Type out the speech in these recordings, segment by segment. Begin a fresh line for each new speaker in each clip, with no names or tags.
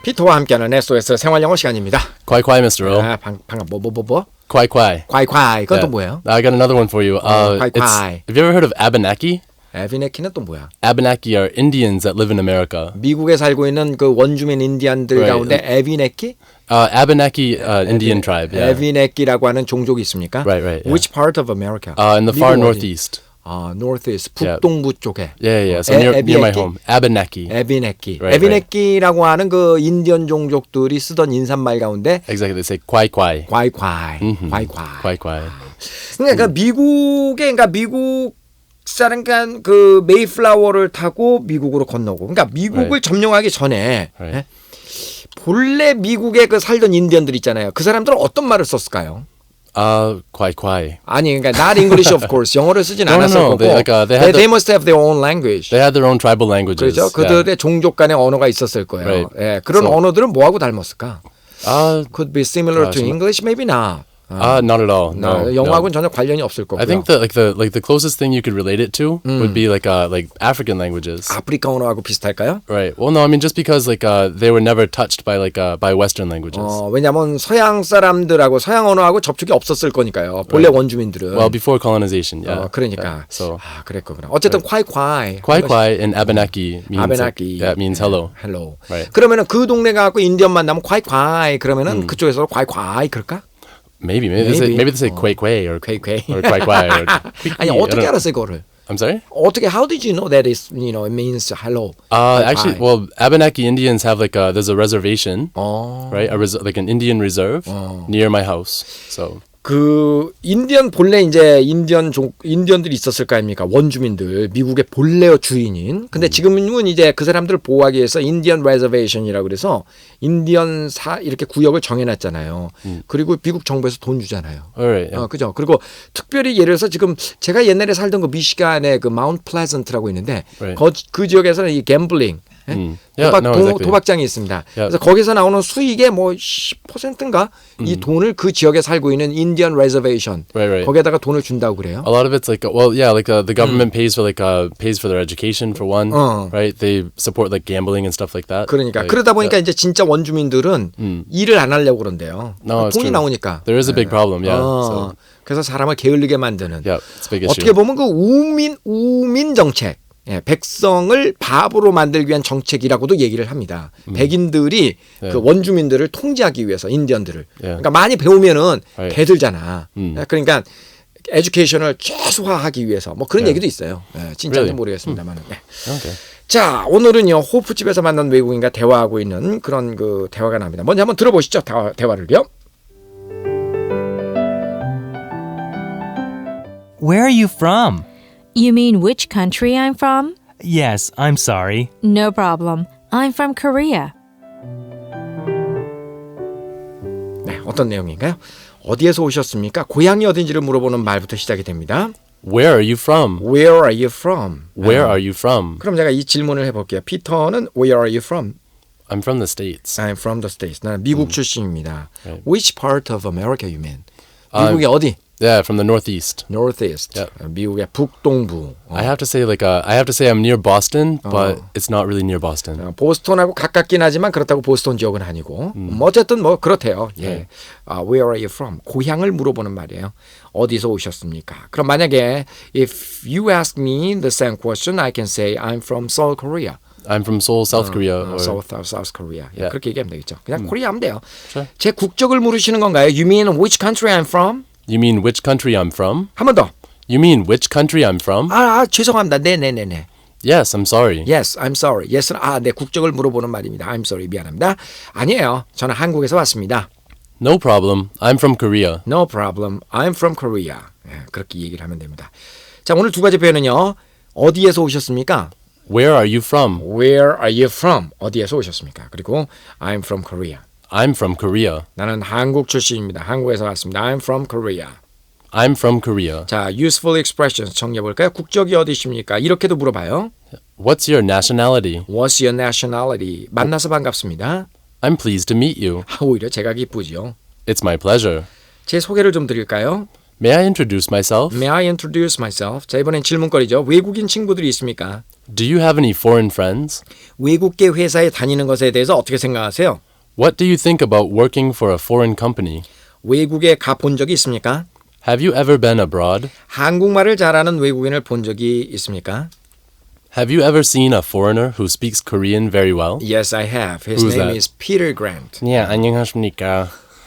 피터와 함께하는 SOS 생활영어 시간입니다.
Quai quai, Mr. O.
아, 방금 뭐?
Quai quai.
과이. 그건 또
Yeah.
뭐예요?
I got another one for you.
quai
it's-
quai.
Have you ever heard of Abenaki?
에비네키는 또 뭐야?
Abenaki are Indians that live in America.
미국에 살고 있는 그 원주민 인디안들
Right.
가운데 에비네키?
Abenaki Indian tribe. Yeah.
에비네키라고 하는 종족이 있습니까?
Right, yeah.
Which part of America?
In the far
미국 어디?
northeast.
아, northeast,
Yeah.
북동부 쪽에.
Yeah. So near my
에비네키?
home. Abenaki.
에비네키.
Right,
에비네키라고 하는 그 인디언 종족들이 쓰던 인사말 가운데
Exactly. They say quai quai.
과이.
Quai quai.
그러니까 미국 사람간 그 메이플라워를 타고 미국으로 건너고, 그러니까 미국을
Right.
점령하기 전에
Right.
예? 본래 미국에 그 살던 인디언들 있잖아요. 그 사람들은 어떤 말을 썼을까요?
Quai quai.
아니, 그러니까 not English of course. 영어를 쓰진
No.
않았을 거고.
They
must have their own language.
They had their own tribal languages.
그렇죠. 그들의 종족 간의 언어가 있었을 거예요.
Right.
예, 그런
So-
언어들은 뭐하고 닮았을까?
Yeah.
Could be similar to English, maybe not.
Not at all. No.
영어하고는 전혀 관련이 없을 거고요.
I think that the closest thing you could relate it to would be like African languages.
아프리카 언어하고 비슷할까요?
Right. Well, no, I mean just because they were never touched by by Western languages.
왜냐하면 서양 사람들하고 서양 언어하고 접촉이 없었을 거니까요. 본래 원주민들은.
Well, before colonization, yeah.
그러니까.
Yeah. So
그랬구나. 어쨌든 콰이콰이.
quai quai in Abenaki means
아베나키.
means hello.
hello.
Right.
그러면은 그 동네 가고 인디언 만나면 콰이콰이 그러면은 그쪽에서 콰이콰이 그럴까?
Maybe they say quai quai or
퀘이퀘이.
or quai quai or
아니 어떻게 알았어요 그거를?
I'm sorry?
어떻게 how did you know that is it means hello?
Actually, well, Abenaki Indians have there's a reservation, right? Like an Indian reserve near my house. So
그 인디언 본래 이제 인디언들이 있었을 거 아닙니까? 원주민들 미국의 본래 주인인. 근데 지금은 이제 그 사람들을 보호하기 위해서 인디언 레저베이션이라고 그래서 인디언 이렇게 구역을 정해놨잖아요. 그리고 미국 정부에서 돈 주잖아요.
alright, yeah.
그죠? 그리고 특별히 예를 들어서 지금 제가 옛날에 살던 그 미시간의 그 마운트 플레전트라고 있는데
Right.
그 지역에서는 이 갬블링
Yeah, exactly.
도박장이 있습니다.
Yeah.
그래서 거기서 나오는 수익의 뭐 10%인가 이 돈을 그 지역에 살고 있는 인디언 레저베이션
Right.
거기에다가 돈을 준다고 그래요.
A lot of it's the government pays for their education for one, right? They support like gambling and stuff like that.
그러니까
Like,
그러다 보니까 이제 진짜 원주민들은 일을 안 하려고 그런대요.
No, it's
돈이
true.
나오니까.
There is a big problem, yeah. So,
그래서 사람을 게을르게 만드는.
yeah, it's a big issue.
어떻게 보면 그 우민 정책, 백성을 바보로 만들기 위한 정책이라고도 얘기를 합니다. 백인들이 그 원주민들을 통제하기 위해서 인디언들을. 그러니까 많이 배우면은
Right.
개들잖아. 그러니까 에듀케이션을 최소화하기 위해서 뭐 그런 얘기도 있어요. 진짜인지
Really?
모르겠습니다만.
Okay.
자, 오늘은요 호프집에서 만난 외국인과 대화하고 있는 그런 그 대화가 납니다. 먼저 한번 들어보시죠. 대화를요.
Where are you from?
You mean which country I'm from?
Yes, I'm sorry.
No problem. I'm from Korea.
네, 어떤 내용인가요? 어디에서 오셨습니까? 고향이 어딘지를 물어보는 말부터 시작이 됩니다.
Where are you from?
Where are you from?
Where are you from?
그럼 제가 이 질문을 해볼게요. 피터는 Where are you from?
I'm from the States.
I'm from the States. 나는 미국 출신입니다.
Right.
Which part of America you mean? 미국의 어디?
Yeah, from the Northeast.
Northeast.
Yep.
미국의 북동부.
I have to say I'm near Boston, but it's not really near Boston.
보스턴하고 가깝긴 하지만 그렇다고 보스턴 지역은 아니고 어쨌든 뭐 그렇대요. 예. Where are you from? 고향을 물어보는 말이에요. 어디서 오셨습니까? 그럼 만약에 if you ask me the same question, I can say I'm from Seoul, Korea.
I'm from Seoul, South Korea. Or,
South Korea.
Yeah.
그렇게 얘기하면 되겠죠. 그냥 코리아 하면 돼요.
Sure.
제 국적을 물으시는 건가요? You mean which country I'm from?
You mean which country I'm from?
한 번 더.
You mean which country I'm from?
죄송합니다. 네네네네.
Yes, I'm sorry.
Yes, I'm sorry. Yes는 내 국적을 물어보는 말입니다. I'm sorry. 미안합니다. 아니에요. 저는 한국에서 왔습니다.
No problem. I'm from Korea.
No problem. I'm from Korea. 그렇게 얘기를 하면 됩니다. 자, 오늘 두 가지 표현은요. 어디에서 오셨습니까?
Where are you from?
Where are you from? 어디에서 오셨습니까? 그리고 I'm from Korea.
I'm from Korea.
나는 한국 출신입니다. 한국에서 왔습니다. I'm from Korea.
I'm from Korea.
자, useful expressions 정리해볼까요? 국적이 어디십니까? 이렇게도 물어봐요.
What's your nationality?
What's your nationality? 만나서 반갑습니다.
I'm pleased to meet you.
오히려 제가 기쁘죠.
It's my pleasure.
제 소개를 좀 드릴까요?
May I introduce myself?
May I introduce myself? 자, 이번엔 질문거리죠. 외국인 친구들이 있습니까?
Do you have any foreign friends?
외국계 회사에 다니는 것에 대해서 어떻게 생각하세요?
What do you think about working for a foreign company?
외국에 가본 적이 있습니까?
Have you ever been abroad?
한국말을 잘하는 외국인을 본 적이 있습니까?
Have you ever seen a foreigner who speaks Korean very well?
Yes, I have. His
Who's
name
that?
is Peter Grant.
네, 안녕하십니까.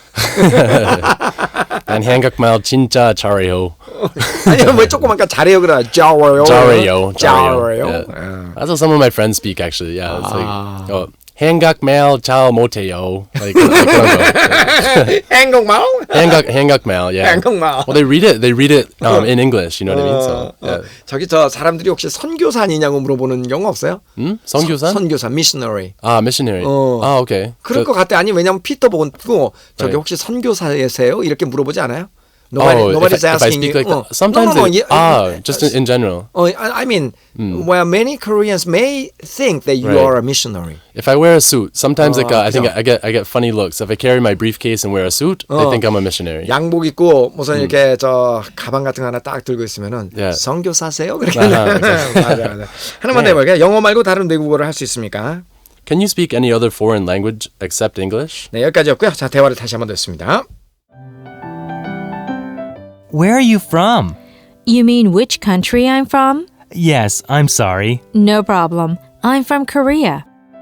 난 한국말 진짜 잘해요.
아니 왜 조그만까 잘해요 그래. 잘해요.
잘해요.
잘해요.
Yeah. That's how some of my friends speak actually. Yeah, it's like oh, 한국말 잘 못해요. Like 그런 거.
한국말?
한국말, yeah.
한국말.
Well, they read it in English. You know what I mean? So, yeah.
저기 저 사람들이 혹시 선교사 아니냐고 물어보는 경우 없어요?
선교사?
선교사, missionary.
아, missionary. 아, okay.
그럴 것 같아. 아니 왜냐면 피터 보고 저기
Right.
혹시 선교사세요? 이렇게 물어보지 않아요?
Oh,
Nobody's
if I
asking
speak
you.
like that. Sometimes
no,
they, just in general.
I mean, well, many Koreans may think that you
Right.
are a missionary.
If I wear a suit, sometimes like I think
그죠.
I get funny looks. If I carry my briefcase and wear a suit, they think I'm a missionary.
양복 입고 무슨 이렇게 저 가방 같은 거 하나 딱 들고 있으면은
Yeah.
선교사세요? 그렇게
아하,
맞아. 하나만 더 해볼게요. 영어 말고 다른 외국어를 할 수 있습니까?
Can you speak any other foreign language except English?
네, 여기까지였고요. 자, 대화를 다시 한번 듣습니다.
Where are you from?
You mean which country I'm from?
Yes, I'm sorry.
No problem. I'm from Korea.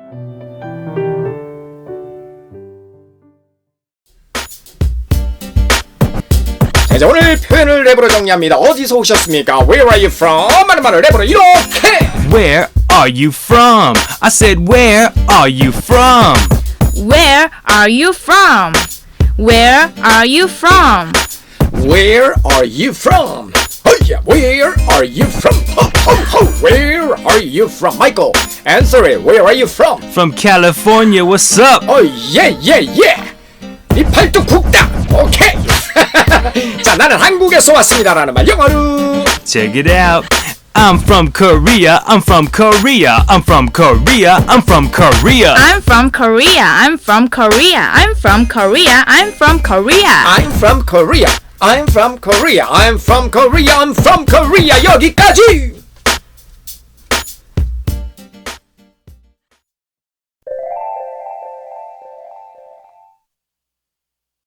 자, 이제 오늘 표현을 랩으로 정리합니다. 어디서 오셨습니까? Where are you from? 하는 말을 랩으로 이렇게.
Where are you from? I said, where are you from?
Where are you from? Where are you from?
Where are you from? Yeah, where are you from? Where are you from? Michael, answer it. Where are you from?
From California, what's up?
yeah. 이 팔뚝 굽다. 오케이. 자, 나는 한국에서 왔습니다라는 말 영어로.
Check it out. I'm from Korea. I'm from Korea. I'm from Korea. I'm from Korea.
I'm from Korea. I'm from Korea. I'm from Korea. I'm from Korea.
I'm from Korea. I'm from Korea. I'm from Korea. I'm from Korea. 여기까지.